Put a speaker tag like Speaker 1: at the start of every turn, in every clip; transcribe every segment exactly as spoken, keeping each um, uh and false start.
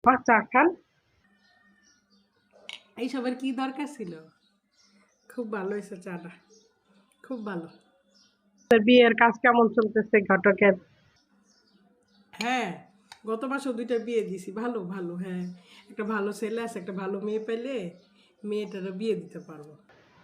Speaker 1: বা চা খান।
Speaker 2: এইসবের কি দরকার ছিল? খুব ভালো হয়েছে চাটা, খুব ভালো।
Speaker 1: বিয়ের কাজ কেমন চলতেছে ঘটকের?
Speaker 2: হ্যাঁ, গত মাসেও দুইটা বিয়ে দিছি। ভালো ভালো, হ্যাঁ। একটা ভালো ছেলে আছে, একটা ভালো মেয়ে পেলে মেয়েটারও বিয়ে দিতে পারবো।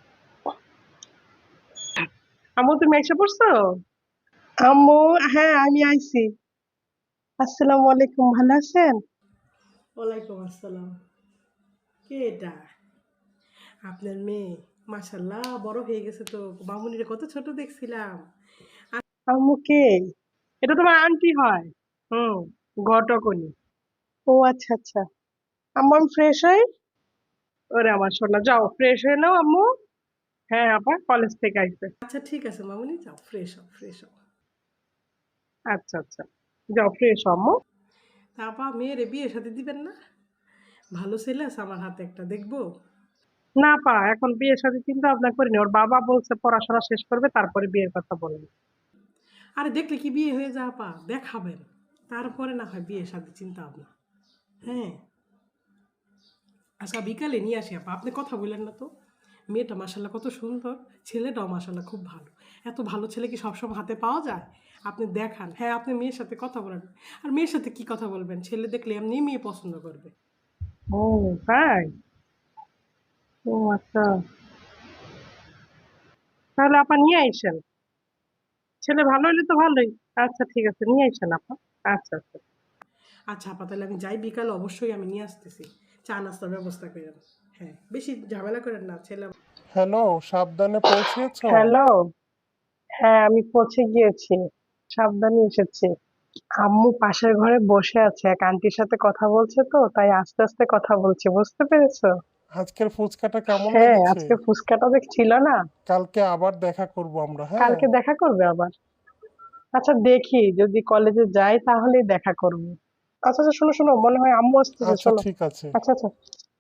Speaker 1: আম্মু তুমি এসে পড়ছো? আম্মু, হ্যাঁ আমি আইছি। আসসালামু আলাইকুম, ভালো আছেন?
Speaker 2: ওয়ালাইকুম আসসালাম। কে এটা? আপনার মেয়ে? মাশাল্লাহ, বড় হয়ে গেছে তো। মামুনিরে কত ছোট দেখছিলাম।
Speaker 1: আম্মু কে? এটা তোমার আন্টি হয়। হুম, ঘটকনি। ও আচ্ছা আচ্ছা। আম্মু আমি ফ্রেশ হই। ওরে আমার সোনা, যাও ফ্রেশ হয়ে নাও আম্মু। হ্যাঁ আপা কলেজ থেকে আইছে।
Speaker 2: আচ্ছা ঠিক আছে মামুনি, যাও ফ্রেশ হও, ফ্রেশ হও।
Speaker 1: আচ্ছা আচ্ছা, যাও ফ্রেশ হও আম্মু।
Speaker 2: তা আপা, মেয়েরে বিয়ে সাথে দিবেন না? ভালো ছেলে আছে আমার হাতে, একটা দেখবো।
Speaker 1: না পা, এখন বিয়ের সাথে চিন্তা ভাবনা করিনি। ওর বাবা বলছে পড়াশোনা শেষ করবে তারপরে বিয়ের কথা বলবে।
Speaker 2: আরে দেখলে কি বিয়ে হয়ে যা আপা, দেখাবেন। তারপরে না হয় বিয়ে সাথে চিন্তা ভাবনা। হ্যাঁ। আচ্ছা বিকালে নিয়ে আসি আপা, আপনি কথা বললেন না তো। মেয়েটা মাসাল্লাহ কত সুন্দর, ছেলেটাও মাসাল্লাহ খুব ভালো। এত ভালো ছেলে কি সবসময় হাতে পাওয়া যায়? আপনি দেখান, হ্যাঁ আপনি মেয়ের সাথে কথা বলেন। আর মেয়ের সাথে কি কথা বলবেন, ছেলে দেখলে এমনি মেয়ে পছন্দ করবে।
Speaker 1: ও তাই? ও আচ্ছা, তাহলে আপা নিয়ে আইসেন। ছেলে ভালো হইলে তো ভালোই। আচ্ছা ঠিক আছে, নিয়ে আইসেন আপা। আচ্ছা আচ্ছা।
Speaker 2: আচ্ছা আপা, তাহলে আমি যাই, বিকালে অবশ্যই আমি নিয়ে আসতেছি। চা নাস্তার ব্যবস্থা করেন। হ্যাঁ, বেশি ঝামেলা করেন না, ছেলে।
Speaker 3: হ্যালো, সাবধানে পৌঁছেছো?
Speaker 1: হ্যালো। হ্যাঁ আমি পৌঁছে গিয়েছি, সাবধানে এসেছি। আম্মু পাশের ঘরে বসে আছে, এক আন্টির সাথে কথা বলছে তো তাই আস্তে আস্তে কথা বলছি, বুঝতে পেরেছো?
Speaker 3: আজকের ফুচকাটা কেমন
Speaker 1: হ্যাঁ
Speaker 3: লেগেছে?
Speaker 1: আজকে ফুচকাটা দেখ ছিল না।
Speaker 3: কালকে আবার দেখা করব আমরা, হ্যাঁ?
Speaker 1: কালকে দেখা করবে আবার? আচ্ছা দেখি, যদি কলেজে যাই তাহলেই দেখা করবো। আচ্ছা আচ্ছা, শোনো শোনো, মনে হয় আম্মু আসতেছে,
Speaker 3: আচ্ছা
Speaker 1: শোনো।
Speaker 3: ঠিক আছে।
Speaker 1: আচ্ছা আচ্ছা।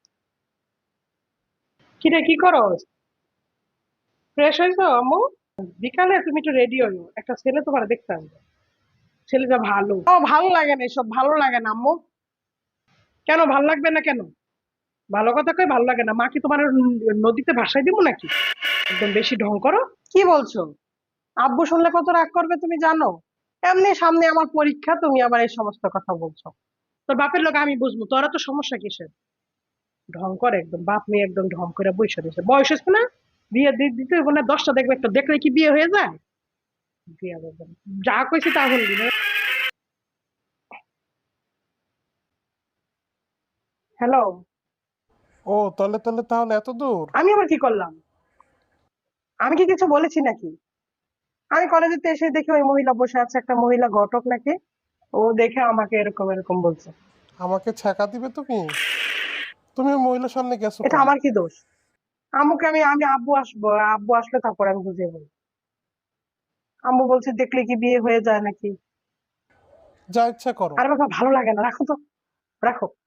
Speaker 1: কি রে, কি করো? ফ্রেশ হয়েছো আম্মু? বিকালে তুমি একটু রেডি হইও, একটা ছেলে তোমার দেখতে আসবে। ছেলেটা ভালো। ও ভালো লাগে না, এসব ভালো লাগে না আম্মু। কেন ভালো লাগবে না কেন? ভালো কথা কই ভালো লাগে না? মা কি তোমার ন- নদীতে ভাসাই দিব নাকি? একদম বেশি ঢং করো। কি বলছো? আব্বু শুনলে কত রাগ করবে তুমি জানো? এমনি সামনে আমার পরীক্ষা, তুমি আবার এই সমস্ত কথা বলছো। তোর বাপের লোক আমি বুঝবো, তোরা তো সমস্যা কিসের? ঢং করে একদম, বাপ মেয়ে একদম ঢং করে বসে রয়েছে। বয়স হচ্ছে না, বিয়ে দি- দিতে হইব না? দশটা দেখবে, একটা দেখলে কি বিয়ে হয়ে যায়? বিয়ে দেবে না। যা কইছি তা বলবি না। হ্যালো।
Speaker 3: ও তলে তলে তাহলে এত দূর?
Speaker 1: আমি আবার কি করলাম? আমি কি কিছু বলেছি নাকি? আমি কলেজেতে এসে দেখি ওই মহিলা বসে আছে, একটা মহিলা ঘটক নাকি। ও দেখে আমাকে এরকম এরকম বলছে।
Speaker 3: আমাকে ছ্যাঁকা দিবে তুমি? তুমি ওই মহিলার সামনে গেছো
Speaker 1: এটা
Speaker 3: কেন?
Speaker 1: আমার কি দোষ? আম্মুকে আমি আমি আব্বু আসবো, আব্বু আসলে তারপর আমি বুঝিয়ে বলবো। আম্মু বলছে দেখলে কি বিয়ে হয়ে যায় নাকি।
Speaker 3: যা ইচ্ছা করো।
Speaker 1: আরে বাবা ভালো লাগে না, রাখো তো, রাখো।